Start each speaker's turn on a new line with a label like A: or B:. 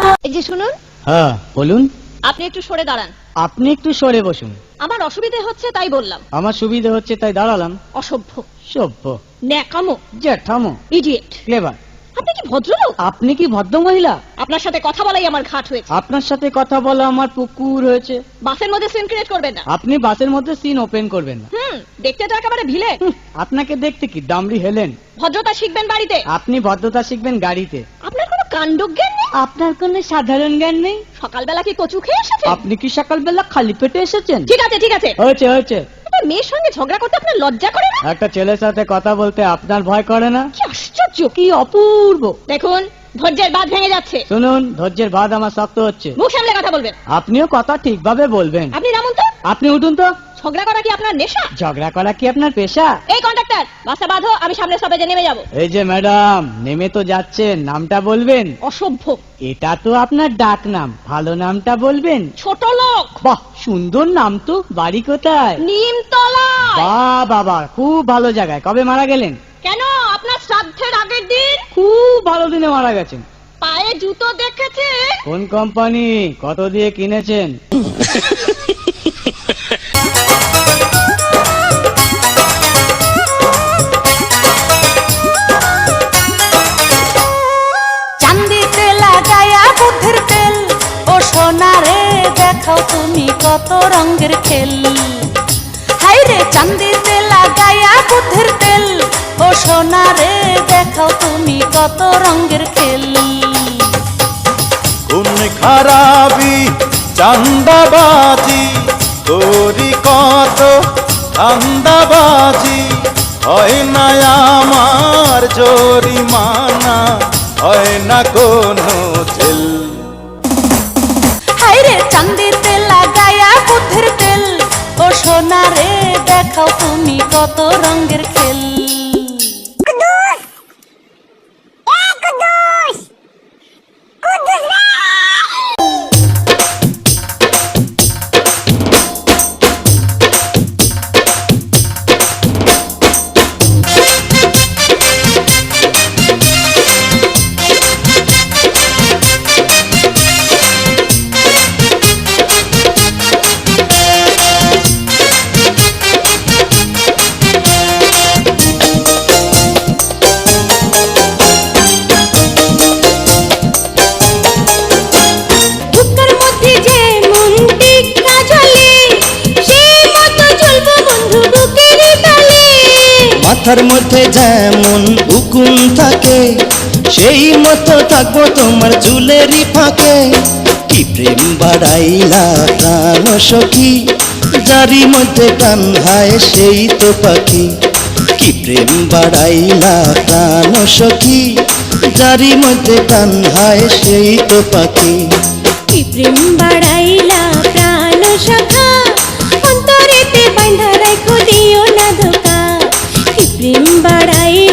A: এই যে শুনুন।
B: হ্যাঁ বলুন।
A: আপনি একটু সরে দাঁড়ান।
B: আপনি একটু সরে বসুন।
A: আমার অসুবিধে হচ্ছে তাই বললাম।
B: আমার সুবিধা হচ্ছে তাই দাঁড়ালাম।
A: অসভ্য,
B: সভ্য,
A: ন্যাকামো,
B: জ্যাঠামো,
A: ইডিয়েট।
B: ক্লেভার।
A: আপনি কি ভদ্রলোক?
B: আপনি কি ভদ্র মহিলা?
A: আপনার সাথে কথা বলাই আমার ঘাট হয়েছে।
B: আপনার সাথে কথা বলা আমার পুকুর হয়েছে।
A: বাসের মধ্যে সিন ক্রিয়েট করবেন না।
B: আপনি বাসের মধ্যে সিন ওপেন করবেন না।
A: দেখতে তো একেবারে ভিলে।
B: আপনাকে দেখতে কি ডামরি হেলেন।
A: ভদ্রতা শিখবেন বাড়িতে।
B: আপনি ভদ্রতা শিখবেন গাড়িতে।
A: আপনার কোনো কাণ্ডজ্ঞান নেই।
B: আপনার কোনো সাধারণ জ্ঞান নেই।
A: সকালবেলা কি কচু খেয়ে এসেছেন?
B: আপনি কি সকালবেলা খালি পেটে এসেছেন?
A: ঠিক আছে ঠিক আছে,
B: হয়েছে হয়েছে।
A: একটা মেয়ের সঙ্গে ঝগড়া করতে আপনার লজ্জা করে না?
B: একটা ছেলের সাথে কথা বলতে আপনার ভয় করে না?
A: কি আশ্চর্য,
B: কি অপূর্ব।
A: দেখুন ধৈর্যের বাঁধ ভেঙে যাচ্ছে।
B: শুনুন, ধৈর্যের বাঁধ আমার শক্ত হচ্ছে।
A: মুখ সামলে কথা বলবেন।
B: আপনিও কথা ঠিকভাবে বলবেন।
A: আপনি নামুন তো।
B: আপনি উঠুন তো।
A: ঝগড়া করা কি আপনার নেশা?
B: ঝগড়া করা কি আপনার পেশা?
A: এই কন্ডাক্টর, বাসটা বাঁধো, আমি সামনে স্টপেজে নেমে যাব।
B: এই যে ম্যাডাম, নেমে তো যাচ্ছেন, নামটা বলবেন।
A: অসভ্য।
B: এটা তো আপনার ডাক নাম, ভালো নামটা বলবেন।
A: ছোট লোক।
B: বাহ, সুন্দর নাম তো। বাড়ি কোথায়?
A: নিমতলা।
B: বাহ বাবা, খুব ভালো জায়গায়। কবে মারা গেলেন?
A: কেন, আপনার শ্রাদ্ধের আগের দিন।
B: খুব ভালো দিনে মারা গেছেন।
A: পায়ে জুতো দেখেছে?
B: কোন কোম্পানি, কত দিয়ে কিনেছেন?
C: চান্দিতে লাগায়া বুদ্ধির তেল, ও সোনা রে দেখাও তুমি কত রঙের খেল। হাই রে চান্দিতে লাগায়া বুদ্ধির তেল, ও সোনা রে দেখাও তুমি কত রঙের খেল।
D: কোন খারাপি চান্দাবাজি তোরি কত ধান্দাবাজি, হয় না আমার জরিমানা, হয় না কোনো জেল।
C: হাই রে চান্দিতে লাগায়া বুদ্ধির তেল, ও সোনা রে দেখাও তুমি কত রঙের খেল।
E: মাথার মধ্যে যেমন উকুন থাকে, সেই মতো থাকবো তোমার চুলেরই ফাঁকে। কি প্রেম বাড়াইলা প্রাণ সখী, যারি মধ্যে প্রাণ হায় সেই তো পাখি। কি প্রেম বাড়াইলা প্রাণ সখী, যারি মধ্যে প্রাণ হায় সেই তো পাখি।
F: কি প্রেম বাড়াইলা প্রাণ সখা, অন্তরেতে বাঁধা রাখো দিও না ধোকা। কি প্রেম বাড়াই